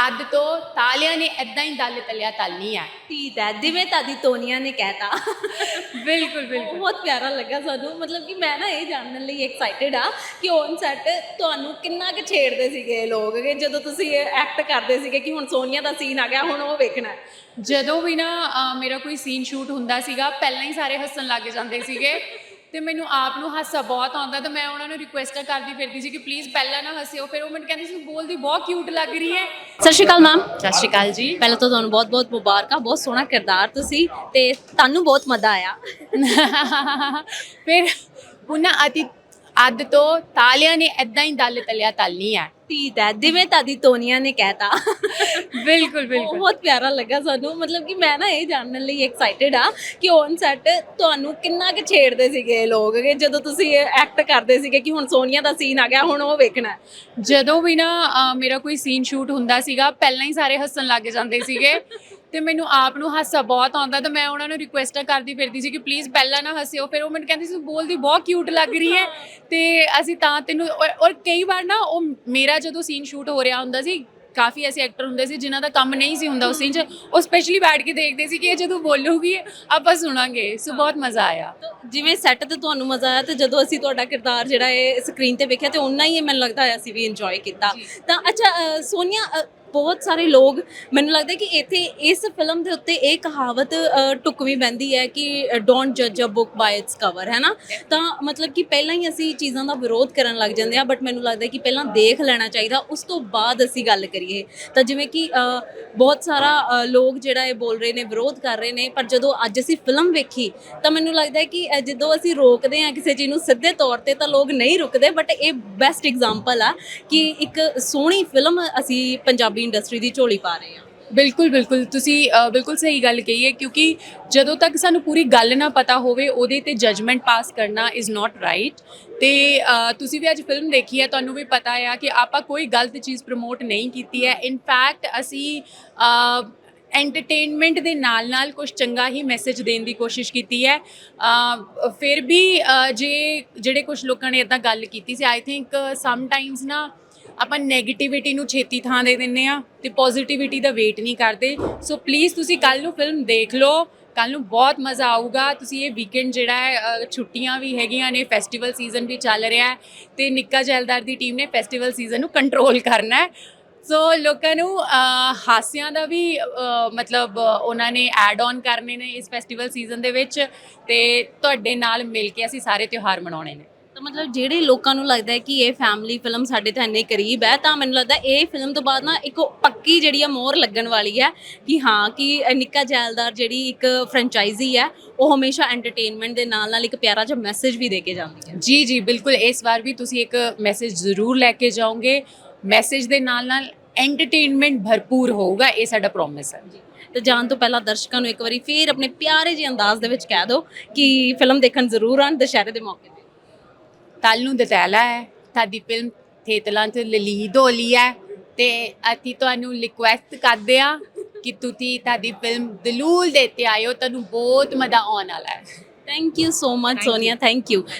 ਅੱਧ ਤੋਂ ਤਾਲਿਆਂ ਨੇ ਏਦਾਂ ਹੀ ਦਲ ਤਲਿਆ ਤਲਨੀ ਹੈ। ਠੀਕ ਹੈ, ਜਿਵੇਂ ਤੁਹਾਡੀ ਤੋਨੀਆ ਨੇ ਕਹਿਤਾ। ਬਿਲਕੁਲ ਬਿਲकुल। ਬਹੁਤ ਪਿਆਰਾ ਲੱਗਾ ਸਾਨੂੰ, ਮਤਲਬ ਕਿ ਮੈਂ ਨਾ ਇਹ ਜਾਣਨ ਲਈ ਐਕਸਾਈਟਿਡ ਆ ਕਿ ਔਨ ਸੈਟ ਤੁਹਾਨੂੰ ਕਿੰਨਾ ਕੁ ਛੇੜਦੇ ਸੀਗੇ ਇਹ ਲੋਕ, ਕਿ ਜਦੋਂ ਤੁਸੀਂ ਐਕਟ ਕਰਦੇ ਸੀਗੇ ਕਿ ਹੁਣ ਸੋਨੀਆ ਦਾ ਸੀਨ ਆ ਗਿਆ, ਹੁਣ ਉਹ ਵੇਖਣਾ ਹੈ। ਜਦੋਂ ਵੀ ਨਾ ਮੇਰਾ ਕੋਈ ਸੀਨ ਸ਼ੂਟ ਹੁੰਦਾ ਸੀਗਾ, ਪਹਿਲਾਂ ਹੀ ਸਾਰੇ ਹੱਸਣ ਲੱਗ ਜਾਂਦੇ ਸੀਗੇ ਤੇ ਮੈਨੂੰ ਆਪ ਨੂੰ ਹਾਸਾ ਬਹੁਤ ਆਉਂਦਾ, ਤਾਂ ਮੈਂ ਉਹਨਾਂ ਨੂੰ ਰਿਕੁਐਸਟ ਕਰਦੀ ਫਿਰਦੀ ਸੀ ਕਿ ਪਲੀਜ਼ ਪਹਿਲਾਂ ਨਾ ਹੱਸਿਓ। ਫਿਰ ਉਹ ਮੈਨੂੰ ਕਹਿੰਦੀ ਸੀ ਬੋਲਦੀ ਬਹੁਤ ਕਿਊਟ ਲੱਗ ਰਹੀ ਹੈ। ਸਤਿ ਸ਼੍ਰੀ ਅਕਾਲ ਮੈਮ। ਸਤਿ ਸ਼੍ਰੀ ਅਕਾਲ ਜੀ। ਪਹਿਲਾਂ ਤਾਂ ਤੁਹਾਨੂੰ ਬਹੁਤ ਬਹੁਤ ਮੁਬਾਰਕਾਂ, ਬਹੁਤ ਸੋਹਣਾ ਕਿਰਦਾਰ ਤੁਸੀਂ, ਤੇ ਤੁਹਾਨੂੰ ਬਹੁਤ ਮਜ਼ਾ ਆਇਆ। ਫਿਰ ਉਹਨਾਂ ਅੱਧ ਤੋਂ ਤਾਲਿਆਂ ਨੇ ਏਦਾਂ ਹੀ ਦਲ ਤਲਿਆ ਤਲਨੀ ਹੈ। ਠੀਕ ਹੈ, ਜਿਵੇਂ ਤੁਹਾਡੀ ਤੋਨੀਆ ਨੇ ਕਹਿਤਾ। ਬਿਲਕੁਲ ਬਿਲकुल। ਬਹੁਤ ਪਿਆਰਾ ਲੱਗਾ ਸਾਨੂੰ, ਮਤਲਬ ਕਿ ਮੈਂ ਨਾ ਇਹ ਜਾਣਨ ਲਈ ਐਕਸਾਈਟਿਡ ਆ ਕਿ ਔਨ ਸੈਟ ਤੁਹਾਨੂੰ ਕਿੰਨਾ ਕੁ ਛੇੜਦੇ ਸੀਗੇ ਇਹ ਲੋਕ, ਕਿ ਜਦੋਂ ਤੁਸੀਂ ਐਕਟ ਕਰਦੇ ਸੀਗੇ ਕਿ ਹੁਣ ਸੋਨੀਆ ਦਾ ਸੀਨ ਆ ਗਿਆ, ਹੁਣ ਉਹ ਵੇਖਣਾ ਹੈ। ਜਦੋਂ ਵੀ ਨਾ ਮੇਰਾ ਕੋਈ ਸੀਨ ਸ਼ੂਟ ਹੁੰਦਾ ਸੀਗਾ, ਪਹਿਲਾਂ ਹੀ ਸਾਰੇ ਹੱਸਣ ਲੱਗ ਜਾਂਦੇ ਸੀਗੇ ਤੇ ਮੈਨੂੰ ਆਪ ਨੂੰ ਹਾਸਾ ਬਹੁਤ ਆਉਂਦਾ, ਤਾਂ ਮੈਂ ਉਹਨਾਂ ਨੂੰ ਰਿਕੁਐਸਟ ਕਰਦੀ ਫਿਰਦੀ ਸੀ ਕਿ ਪਲੀਜ਼ ਪਹਿਲਾਂ ਨਾ ਹੱਸਿਓ। ਫਿਰ ਉਹ ਮੈਨੂੰ ਕਹਿੰਦੀ ਸੀ ਬੋਲਦੀ ਬਹੁਤ ਕਿਊਟ ਲੱਗ ਰਹੀ ਹੈ ਤੇ ਅਸੀਂ ਤਾਂ ਤੈਨੂੰ ਔਰ ਕਈ ਵਾਰ ਨਾ ਉਹ ਮੇਰਾ ਜਦੋਂ ਸੀਨ ਸ਼ੂਟ ਹੋ ਰਿਹਾ ਹੁੰਦਾ ਸੀ, ਕਾਫੀ ਐਸੇ ਐਕਟਰ ਹੁੰਦੇ ਸੀ ਜਿਨ੍ਹਾਂ ਦਾ ਕੰਮ ਨਹੀਂ ਸੀ ਹੁੰਦਾ ਉਸ ਸੀਨ 'ਚ, ਉਹ ਸਪੈਸ਼ਲੀ ਬੈਠ ਕੇ ਦੇਖਦੇ ਸੀ ਕਿ ਇਹ ਜਦੋਂ ਬੋਲੂਗੀ ਆਪਾਂ ਸੁਣਾਂਗੇ। ਸੋ ਬਹੁਤ ਮਜ਼ਾ ਆਇਆ। ਜਿਵੇਂ ਸੈੱਟ ਤੇ ਤੁਹਾਨੂੰ ਮਜ਼ਾ ਆਇਆ, ਤੇ ਜਦੋਂ ਅਸੀਂ ਤੁਹਾਡਾ ਕਿਰਦਾਰ ਜਿਹੜਾ ਇਹ ਸਕਰੀਨ ਤੇ ਵੇਖਿਆ, ਤੇ ਓਨਾ ਹੀ ਮੈਨੂੰ ਲੱਗਦਾ ਅਸੀਂ ਵੀ ਇੰਜੋਏ ਕੀਤਾ। ਤਾਂ ਅੱਛਾ ਸੋਨੀਆ, ਬਹੁਤ ਸਾਰੇ ਲੋਕ, ਮੈਨੂੰ ਲੱਗਦਾ ਕਿ ਇੱਥੇ ਇਸ ਫਿਲਮ ਦੇ ਉੱਤੇ ਇਹ ਕਹਾਵਤ ਢੁਕਵੀਂ ਬਹਿੰਦੀ ਹੈ ਕਿ ਡੋਂਟ ਜੱਜ a book by its cover, ਹੈ ਨਾ। ਤਾਂ ਮਤਲਬ ਕਿ ਪਹਿਲਾਂ ਹੀ ਅਸੀਂ ਚੀਜ਼ਾਂ ਦਾ ਵਿਰੋਧ ਕਰਨ ਲੱਗ ਜਾਂਦੇ ਆ, ਬਟ ਮੈਨੂੰ ਲੱਗਦਾ ਕਿ ਪਹਿਲਾਂ ਦੇਖ ਲੈਣਾ ਚਾਹੀਦਾ, ਉਸ ਤੋਂ ਬਾਅਦ ਅਸੀਂ ਗੱਲ ਕਰੀਏ। ਤਾਂ ਜਿਵੇਂ ਕਿ ਬਹੁਤ ਸਾਰਾ ਲੋਕ ਜਿਹੜਾ ਇਹ ਬੋਲ ਰਹੇ ਨੇ, ਵਿਰੋਧ ਕਰ ਰਹੇ ਨੇ, ਪਰ ਜਦੋਂ ਅੱਜ ਅਸੀਂ ਫਿਲਮ ਵੇਖੀ ਤਾਂ ਮੈਨੂੰ ਲੱਗਦਾ ਕਿ ਜਦੋਂ ਅਸੀਂ ਰੋਕਦੇ ਹਾਂ ਕਿਸੇ ਚੀਜ਼ ਨੂੰ ਸਿੱਧੇ ਤੌਰ ਤੇ, ਤਾਂ ਲੋਕ ਨਹੀਂ ਰੁਕਦੇ। ਬਟ ਇਹ ਬੈਸਟ ਐਗਜ਼ਾਮਪਲ ਆ ਕਿ ਇੱਕ ਸੋਹਣੀ ਫਿਲਮ ਅਸੀਂ ਪੰਜਾਬੀ ਇੰਡਸਟਰੀ ਦੀ ਝੋਲੀ ਪਾ ਰਹੇ ਹਾਂ। ਬਿਲਕੁਲ ਬਿਲकुल, ਤੁਸੀਂ ਬਿਲਕੁਲ ਸਹੀ ਗੱਲ ਕਹੀ ਹੈ, ਕਿਉਂਕਿ ਜਦੋਂ ਤੱਕ ਸਾਨੂੰ ਪੂਰੀ ਗੱਲ ਨਾ ਪਤਾ ਹੋਵੇ ਉਹਦੇ ਤੇ ਜਜਮੈਂਟ ਪਾਸ ਕਰਨਾ ਇਜ਼ ਨਾਟ ਰਾਈਟ। ਤੇ ਤੁਸੀਂ ਵੀ ਅੱਜ ਫਿਲਮ ਦੇਖੀ ਹੈ, ਤੁਹਾਨੂੰ ਵੀ ਪਤਾ ਆ ਕਿ ਆਪਾਂ ਕੋਈ ਗਲਤ ਚੀਜ਼ ਪ੍ਰਮੋਟ ਨਹੀਂ ਕੀਤੀ ਹੈ। ਇਨਫੈਕਟ ਅਸੀਂ ਐਂਟਰਟੇਨਮੈਂਟ ਦੇ ਨਾਲ ਨਾਲ ਕੁਝ ਚੰਗਾ ਹੀ ਮੈਸੇਜ ਦੇਣ ਦੀ ਕੋਸ਼ਿਸ਼ ਕੀਤੀ ਹੈ। ਫਿਰ ਵੀ ਜਿਹੜੇ ਕੁਝ ਲੋਕਾਂ ਨੇ ਇੱਦਾਂ ਗੱਲ ਕੀਤੀ ਸੀ, ਆਈ ਥਿੰਕ ਸਮ ਟਾਈਮਸ ਨਾ ਆਪਾਂ ਨੈਗੇਟਿਵਿਟੀ ਨੂੰ ਛੇਤੀ ਥਾਂ ਦੇ ਦਿੰਦੇ ਆ ਤੇ ਪੋਜ਼ਿਟਿਵਿਟੀ ਦਾ ਵੇਟ ਨਹੀਂ ਕਰਦੇ। ਸੋ ਪਲੀਜ਼ ਤੁਸੀਂ ਕੱਲ ਨੂੰ ਫਿਲਮ ਦੇਖ ਲਓ, ਕੱਲ ਨੂੰ ਬਹੁਤ ਮਜ਼ਾ ਆਊਗਾ। ਤੁਸੀਂ ਇਹ ਵੀਕਐਂਡ ਜਿਹੜਾ ਹੈ, ਛੁੱਟੀਆਂ ਵੀ ਹੈਗੀਆਂ ਨੇ, ਫੈਸਟੀਵਲ ਸੀਜ਼ਨ ਵੀ ਚੱਲ ਰਿਹਾ ਹੈ ਤੇ ਨਿੱਕਾ ਜੈਲਦਾਰ ਦੀ ਟੀਮ ਨੇ ਫੈਸਟੀਵਲ ਸੀਜ਼ਨ ਨੂੰ ਕੰਟਰੋਲ ਕਰਨਾ ਹੈ। ਸੋ ਲੋਕਾਂ ਨੂੰ ਹਾਸਿਆਂ ਦਾ ਵੀ ਮਤਲਬ ਉਹਨਾਂ ਨੇ ਐਡ ਔਨ ਕਰਨੇ ਨੇ ਇਸ ਫੈਸਟੀਵਲ ਸੀਜ਼ਨ ਦੇ ਵਿੱਚ, ਤੇ ਤੁਹਾਡੇ ਨਾਲ ਮਿਲ ਕੇ ਅਸੀਂ ਸਾਰੇ ਤਿਉਹਾਰ ਮਨਾਉਣੇ ਨੇ। ਤਾਂ ਮਤਲਬ ਜਿਹੜੇ ਲੋਕਾਂ ਨੂੰ ਲੱਗਦਾ ਹੈ ਕਿ ਇਹ ਫੈਮਿਲੀ ਫਿਲਮ ਸਾਡੇ ਤਾਂ ਇੰਨੇ ਕਰੀਬ ਹੈ, ਤਾਂ ਮੈਨੂੰ ਲੱਗਦਾ ਇਹ ਫਿਲਮ ਤੋਂ ਬਾਅਦ ਨਾ ਇੱਕ ਪੱਕੀ ਜਿਹੜੀ ਆ ਮੋਹਰ ਲੱਗਣ ਵਾਲੀ ਹੈ ਕਿ ਹਾਂ, ਕਿ ਨਿੱਕਾ ਜੈਲਦਾਰ ਜਿਹੜੀ ਇੱਕ ਫਰੈਂਚਾਈਜ਼ੀ ਹੈ, ਉਹ ਹਮੇਸ਼ਾ ਐਂਟਰਟੇਨਮੈਂਟ ਦੇ ਨਾਲ ਨਾਲ ਇੱਕ ਪਿਆਰਾ ਜਿਹਾ ਮੈਸੇਜ ਵੀ ਦੇ ਕੇ ਜਾਂਦੀ ਹੈ। ਜੀ ਜੀ ਬਿਲਕੁਲ, ਇਸ ਵਾਰ ਵੀ ਤੁਸੀਂ ਇੱਕ ਮੈਸੇਜ ਜ਼ਰੂਰ ਲੈ ਕੇ ਜਾਓਗੇ। ਮੈਸੇਜ ਦੇ ਨਾਲ ਨਾਲ ਐਂਟਰਟੇਨਮੈਂਟ ਭਰਪੂਰ ਹੋਊਗਾ, ਇਹ ਸਾਡਾ ਪ੍ਰੋਮਿਸ ਹੈ। ਤੇ ਜਾਣ ਤੋਂ ਪਹਿਲਾਂ ਦਰਸ਼ਕਾਂ ਨੂੰ ਇੱਕ ਵਾਰੀ ਫੇਰ ਆਪਣੇ ਪਿਆਰੇ ਜਿਹੇ ਅੰਦਾਜ਼ ਦੇ ਵਿੱਚ ਕਹਿ ਦਿਓ ਕਿ ਫਿਲਮ ਦੇਖਣ ਜ਼ਰੂਰ ਆਉਣ ਦੁਸ਼ਹਿਰੇ ਦੇ ਮੌਕੇ ਤੇ। ਕੱਲ ਨੂੰ ਦਤੈਲਾ ਹੈ, ਤੁਹਾਡੀ ਫਿਲਮ ਥੀਏਟਰਾਂ 'ਚ ਰਿਲੀਜ਼ ਹੋ ਰਹੀ ਹੈ ਤੇ ਅਸੀਂ ਤੁਹਾਨੂੰ ਰਿਕੁਐਸਟ ਕਰਦੇ ਆ ਕਿ ਤੁਸੀਂ ਤੁਹਾਡੀ ਫਿਲਮ ਜ਼ਰੂਰ ਦੇਖ ਕੇ ਆਇਓ, ਤੁਹਾਨੂੰ ਬਹੁਤ ਮਜ਼ਾ ਆਉਣ ਵਾਲਾ ਹੈ। Thank you so much Sonia, thank you.